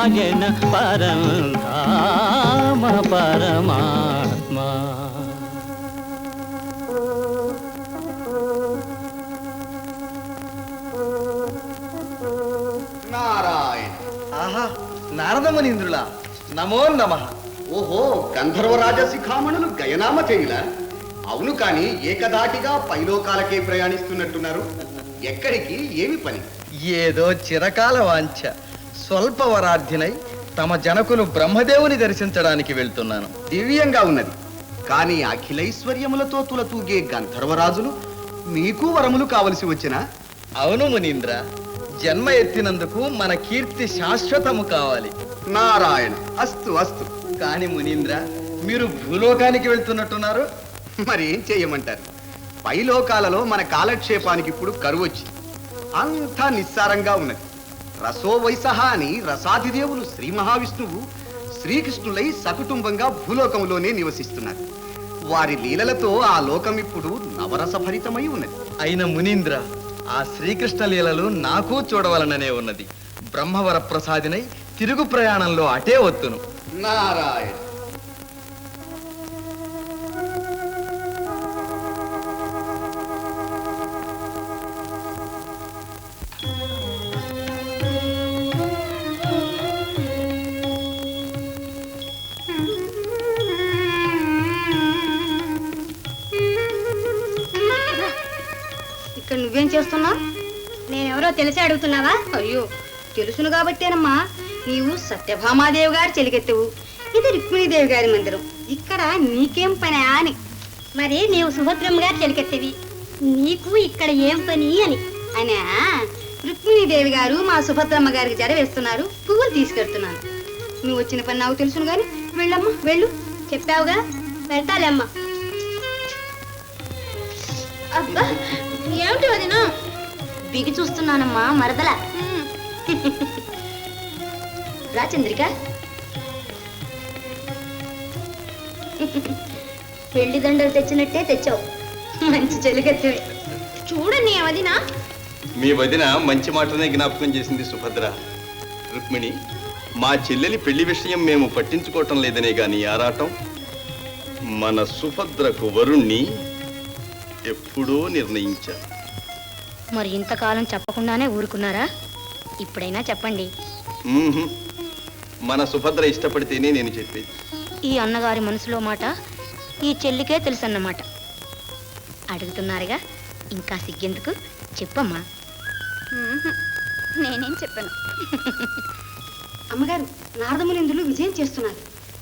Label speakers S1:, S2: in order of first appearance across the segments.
S1: సాగెన పరంధామ పరమాత్మ.
S2: నారాయణ. ఆహా, నారదమునీంద్రులా, నమో నమః. ఓహో, గంధర్వరాజ శిఖామణులు గయనామ చేయులా? అవును, కాని ఏకదాటిగా పైలోకాలకే ప్రయాణిస్తున్నట్టున్నారు. ఎక్కడికి, ఏమి పని?
S3: ఏదో చిరకాల వాంఛ. స్వల్పవరార్థినై తమ జనకులు బ్రహ్మదేవుని దర్శించడానికి వెళ్తున్నాను.
S2: దివ్యంగా ఉన్నది. కానీ అఖిలైశ్వర్యములతో తులతూగే గంధర్వరాజులు మీకు వరములు కావలసి వచ్చినా?
S3: అవును మునీంద్ర, జన్మ ఎత్తినందుకు మన కీర్తి శాశ్వతము కావాలి.
S2: నారాయణ. అస్తు అస్తు.
S3: కాని మునీంద్ర, మీరు భూలోకానికి వెళ్తున్నట్టున్నారు.
S2: మరి ఏం చేయమంటారు? పైలోకాలలో మన కాలక్షేపానికి ఇప్పుడు కరువు వచ్చింది. అంతా నిస్సారంగా ఉన్నది. రసో వైసహ అని రసాధిదేవులు శ్రీ మహావిష్ణువు శ్రీకృష్ణులై సకుటుంబంగా భూలోకంలోనే నివసిస్తున్నారు. వారి లీలలతో ఆ లోకం ఇప్పుడు నవరసభరితమై ఉన్నది.
S3: అయిన మునీంద్ర, ఆ శ్రీకృష్ణ లీలలు నాకు చూడవలననే ఉన్నది. బ్రహ్మవర ప్రసాదినై తిరుగు ప్రయాణంలో అటే వత్తును.
S2: నారాయణ.
S4: ఇక్కడ నువ్వేం చేస్తున్నావు? నేనెవరో తెలిసి అడుగుతున్నావా? అయ్యో, తెలుసును కాబట్టేనమ్మా. నీవు సత్యభామాదేవి గారి చెలికెత్తవు, ఇది రుక్మిణీదేవి గారి మందిరం. ఇక్కడ నీకేం పని అని. మరి నీవు సుభద్రమ్మ గారి చెలికెత్తవి, నీకు ఇక్కడ ఏం పని అని. అనా, రుక్మిణీదేవి గారు మా సుభద్రమ్మ గారికి జడ వేస్తున్నారు, పువ్వులు తీసుకెడుతున్నాను. నువ్వు వచ్చిన పని నాకు తెలుసును గాని వెళ్ళమ్మా, వెళ్ళు. చెప్పావుగా, వెళ్తాలేమ్మా. అబ్బా, ఏమిటి వదినా? బిగి చూస్తున్నానమ్మా, మరదల. రా చంద్రిక. పెళ్లి దండలు తెచ్చినట్టే తెచ్చావు. మంచి చెలికెత్తివి. చూడండి వదినా.
S5: మీ వదిన మంచి మాటనే జ్ఞాపకం చేసింది సుభద్ర. రుక్మిణి, మా చెల్లెలి పెళ్లి విషయం మేము పట్టించుకోవటం లేదనే గాని ఆరాటం. మన సుభద్రకు వరుణ్ణి ఎప్పుడో నిర్ణయించాను.
S4: మరి ఇంతకాలం చెప్పకుండానే ఊరుకున్నారా? ఇప్పుడైనా చెప్పండి.
S5: మన సుభద్ర ఇష్టపడితేనే నేను చెప్పేది.
S4: ఈ అన్నగారి మనసులో మాట ఈ చెల్లికే తెలుసన్నమాట. అడుగుతున్నారుగా, ఇంకా సిగ్గెందుకు, చెప్పమ్మా. నేనేం చెప్పాను. అమ్మగారు, నారదమునిందులు విజయం చేస్తున్నారు.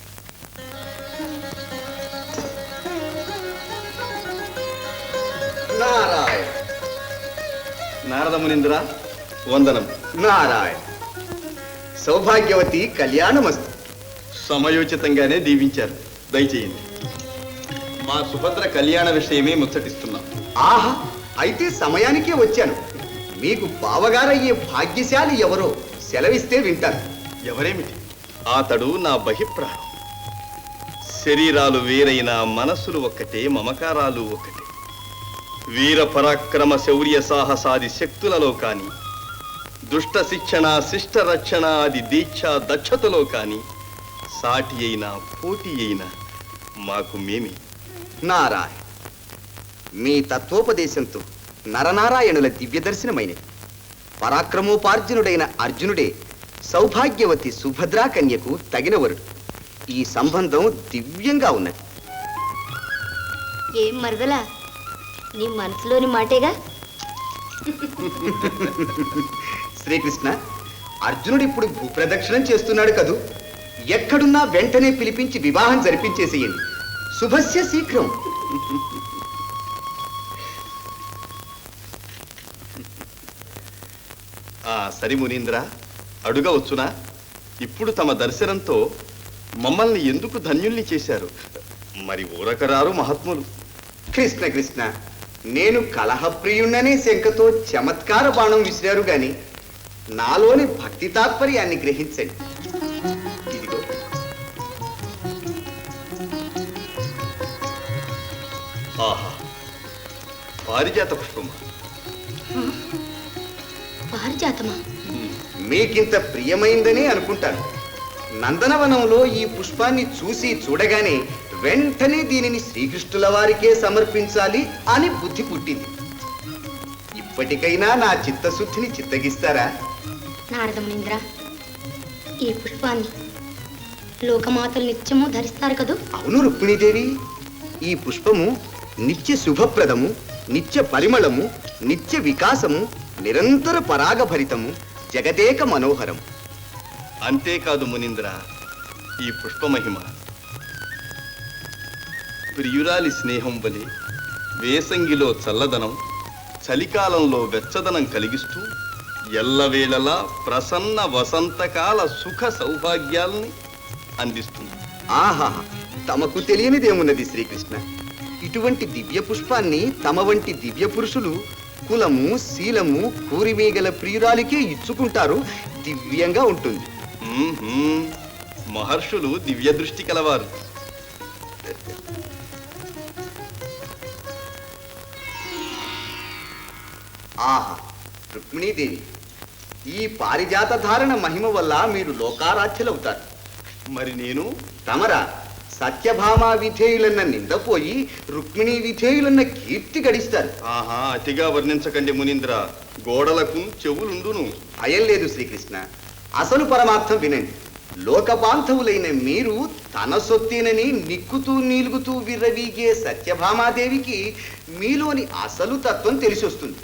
S2: నారాయణ.
S5: నారదమునింద్ర, వందనం.
S2: నారాయణ. సౌభాగ్యవతి కళ్యాణమస్తు.
S5: సమయోచితంగానే దీవించారు. దయచేయండి. మా సుభద్ర కళ్యాణ విషయమే ముచ్చటిస్తున్నాం.
S2: ఆహా, అయితే సమయానికే వచ్చాను. మీకు బావగారయ్యే భాగ్యశాలి ఎవరో సెలవిస్తే వింటాను.
S5: ఎవరేమిటి? అతడు నా బహిప్రాణం. శరీరాలు వేరైన మనస్సులు ఒక్కటే, మమకారాలు ఒక్కటే. వీర పరాక్రమ శౌర్య సాహసాది శక్తులలో కాని, దుష్ట శిక్షణ శిష్ట రక్షణ ఆది దీక్ష దక్షతలో కాని సాటి అయినా పోటీ అయినా మాకు మేమే.
S2: నారాయణ. మీ తత్వోపదేశంతో నరనారాయణుల దివ్య దర్శనమైనది. పరాక్రమోపార్జునుడైన అర్జునుడే సౌభాగ్యవతి సుభద్రా కన్యకు తగిన వరుడు. ఈ సంబంధం దివ్యంగా ఉన్నది.
S4: ఏం మరదలా, నీ మనసులోని మాటేగా.
S2: శ్రీకృష్ణ, అర్జునుడు ఇప్పుడు భూప్రదక్షిణం చేస్తున్నాడు కదూ. ఎక్కడున్నా వెంటనే పిలిపించి వివాహం జరిపించేసేయండి. శుభస్య శీఘ్రం.
S5: సరి మునీంద్ర, అడుగవచ్చునా? ఇప్పుడు తమ దర్శనంతో మమ్మల్ని ఎందుకు ధన్యుల్ని చేశారు? మరి ఊరకరారు మహాత్ములు.
S2: కృష్ణ కృష్ణ, నేను కలహప్రియుణ్ణనే శంకతో చమత్కార బాణం విసిరారు గాని నాలోని భక్తి తాత్పర్యాన్ని గ్రహించండి. ఇదిగో.
S5: ఆహా, పారిజాత పుష్పమా?
S4: పారిజాతమా?
S2: మీకింత ప్రియమైందనే అనుకుంటాను. నందనవనంలో ఈ పుష్పాన్ని చూడగానే వెంటనే దీనిని శ్రీకృష్ణుల వారికే సమర్పించాలి అని బుద్ధి పుట్టింది. ఇప్పటికైనా నా చిత్తశుద్ధిని చిత్తగిస్తారా?
S4: నారదమునింద్ర, ఈ పుష్పాన్ని లోకమాతలు నిత్యము ధరిస్తారు కదూ?
S2: అవును రుక్మిణీదేవి, ఈ పుష్పము నిత్య శుభప్రదము, నిత్య పరిమళము, నిత్య వికాసము, నిరంతర పరాగభరితము, జగదేక మనోహరం.
S5: అంతేకాదు మునీంద్ర, ఈ పుష్పమహిమ ప్రియురాలి స్నేహం వలె వేసంగిలో చల్లదనం, చలికాలంలో వెచ్చదనం కలిగిస్తూ ఎల్లవేళలా ప్రసన్న వసంతకాల సుఖ సౌభాగ్యాల్ని అందిస్తుంది.
S2: ఆహా, తమకు తెలియనిదేమున్నది శ్రీకృష్ణ. ఇటువంటి దివ్య పుష్పాన్ని తమ వంటి దివ్య పురుషులు కులము, శీలము, కూరిమీగల ప్రియురాలికే ఇచ్చుకుంటారు. దివ్యంగా ఉంటుంది.
S5: మహర్షులు దివ్య దృష్టి కలవారు.
S2: ఆహా, రుక్మిణీదేవి, ఈ పారిజాత ధారణ మహిమ వల్ల మీరు లోకారాధ్యులవుతారు.
S5: మరి నేను
S2: తమరా సత్యభామా విధేయులన్న నిందపోయి రుక్మిణీ విధేయులన్న కీర్తి గడిస్తారు.
S5: ఆహా, అతిగా వర్ణించకండి మునీంద్ర, గోడలకు చెవులుండును.
S2: భయం లేదు శ్రీకృష్ణ. అసలు పరమార్థం వినండి. లోకబాంధవులైన మీరు తన సొత్తేనని నిక్కుతూ నీలుగుతూ విర్రవీగే సత్యభామాదేవికి మీలోని అసలు తత్వం తెలిసొస్తుంది.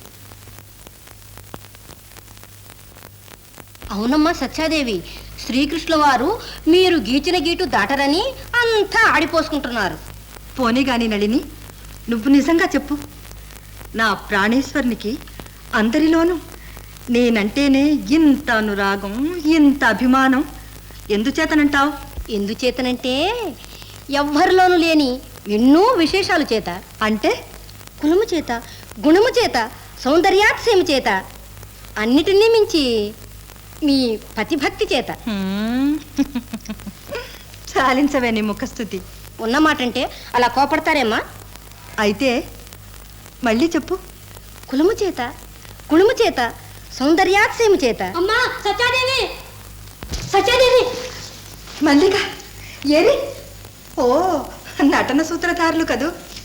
S4: అవునమ్మా సత్యాదేవి, శ్రీకృష్ణుల వారు మీరు గీచిన గీటు దాటరని అంతా ఆడిపోసుకుంటున్నారు.
S6: పోనీ గాని నళిని, నువ్వు నిజంగా చెప్పు. నా ప్రాణేశ్వరునికి అందరిలోనూ నేనంటేనే ఇంత అనురాగం, ఇంత అభిమానం ఎందుచేతనంటావు?
S4: ఎందుచేతనంటే ఎవ్వరిలోనూ లేని ఎన్నో విశేషాలు చేత.
S6: అంటే
S4: కులము చేత, గుణము చేత, సౌందర్యాతిశయము చేత, అన్నిటినీ మించి మీ పతిభక్తి చేత.
S6: చాలించవే నీ ముఖస్థుతి.
S4: ఉన్నమాటంటే అలా కోపడతారేమ్మా?
S6: అయితే మళ్ళీ చెప్పు.
S4: కులము చేత, గుణము చేత, సౌందర్యాతిశయము చేత. అమ్మా సత్యాదేవి, సత్యాదేవి!
S6: మల్లిక ఏరి? ఓ, నటన సూత్రధారులు కదూ.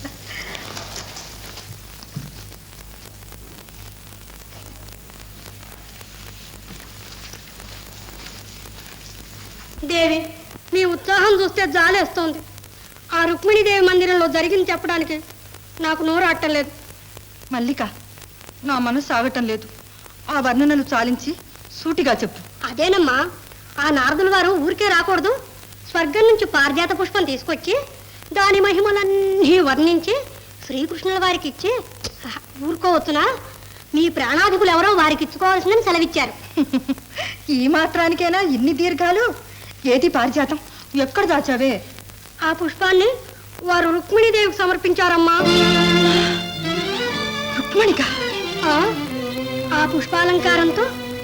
S4: దేవి, మీ ఉత్సాహం చూస్తే జాలేస్తోంది. ఆ రుక్మిణీదేవి మందిరంలో జరిగింది చెప్పడానికి నాకు నోరు అట్టలేదు.
S6: మల్లిక, నా మనసు ఆగటం లేదు. ఆ వర్ణనలు చాలించి సూటిగా చెప్పు.
S4: అదేనమ్మా, ఆ నారదుల వారు ఊరికే రాకూడదు. స్వర్గం నుంచి పారిజాత పుష్పం తీసుకొచ్చి దాని మహిమలన్నీ వర్ణించి శ్రీకృష్ణుల వారికి ఇచ్చి ఊరుకోవచ్చునా? మీ ప్రాణాధికులు ఎవరో వారికి ఇచ్చుకోవాల్సిందని సెలవిచ్చారు.
S6: ఈ మాత్రానికైనా ఇన్ని దీర్ఘాలు? ఏది పారిజాతం? ఎక్కడ దాచావే?
S4: ఆ పుష్పాన్ని వారు రుక్మిణీదేవికి సమర్పించారమ్మా.
S6: రుక్మిణిక?
S4: ఆ పుష్పాలంకారంతో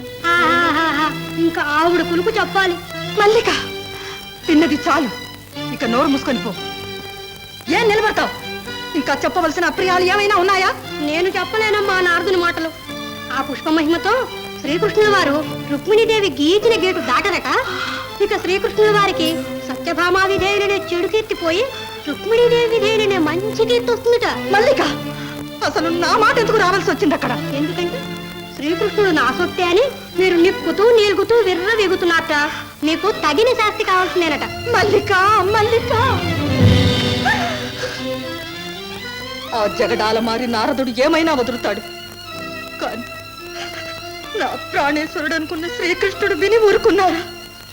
S4: ఇంకా ఆవిడ కులుపు చెప్పాలి.
S6: మల్లిక, తిన్నది చాలు. ఇక నోరు మూసుకొని పో. ఏం నిలబడతావు? ఇంకా చెప్పవలసిన అప్రియాలు ఏమైనా ఉన్నాయా?
S4: నేను చెప్పలేనమ్మా నారదుని మాటలు. ఆ పుష్ప మహిమతో శ్రీకృష్ణుల వారు రుక్మిణీదేవి గీచిన గేటు దాటరట. ఇక శ్రీకృష్ణుల వారికి సత్యభామా విధేయులనే చెడు కీర్తిపోయి రుక్మిణీదేవి విధేయులనే మంచి కీర్తి వస్తుందట.
S6: మల్లిక, అసలు నా మాట ఎందుకు రావాల్సి వచ్చింది అక్కడ?
S4: ఎందుకంటే శ్రీకృష్ణుడు నా సొత్తే అని మీరు నిక్కుతూ నీలుగుతూ విర్ర వెగుతున్నట్ట. మీకు తగిన శాస్తి కావాల్సిందేనట.
S6: మల్లిక, మల్లిక! ఆ జగడాల మారి నారదుడు ఏమైనా వదులుతాడు, కానీ నా ప్రాణేశ్వరుడు అనుకున్న శ్రీకృష్ణుడు విని ఊరుకున్నారా?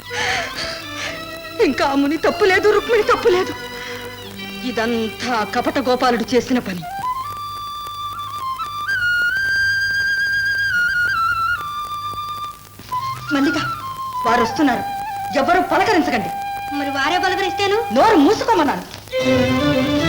S6: ఇంకా ముని తప్పులేదు, రుక్మిణి తప్పులేదు. ఇదంతా కపట గోపాలుడు చేసిన పని. మల్లిక, వారు వస్తున్నారు. ఎవరు పలకరించకండి.
S4: మరి వారే పలకరిస్తేను?
S6: నోరు మూసుకోమన్నాను.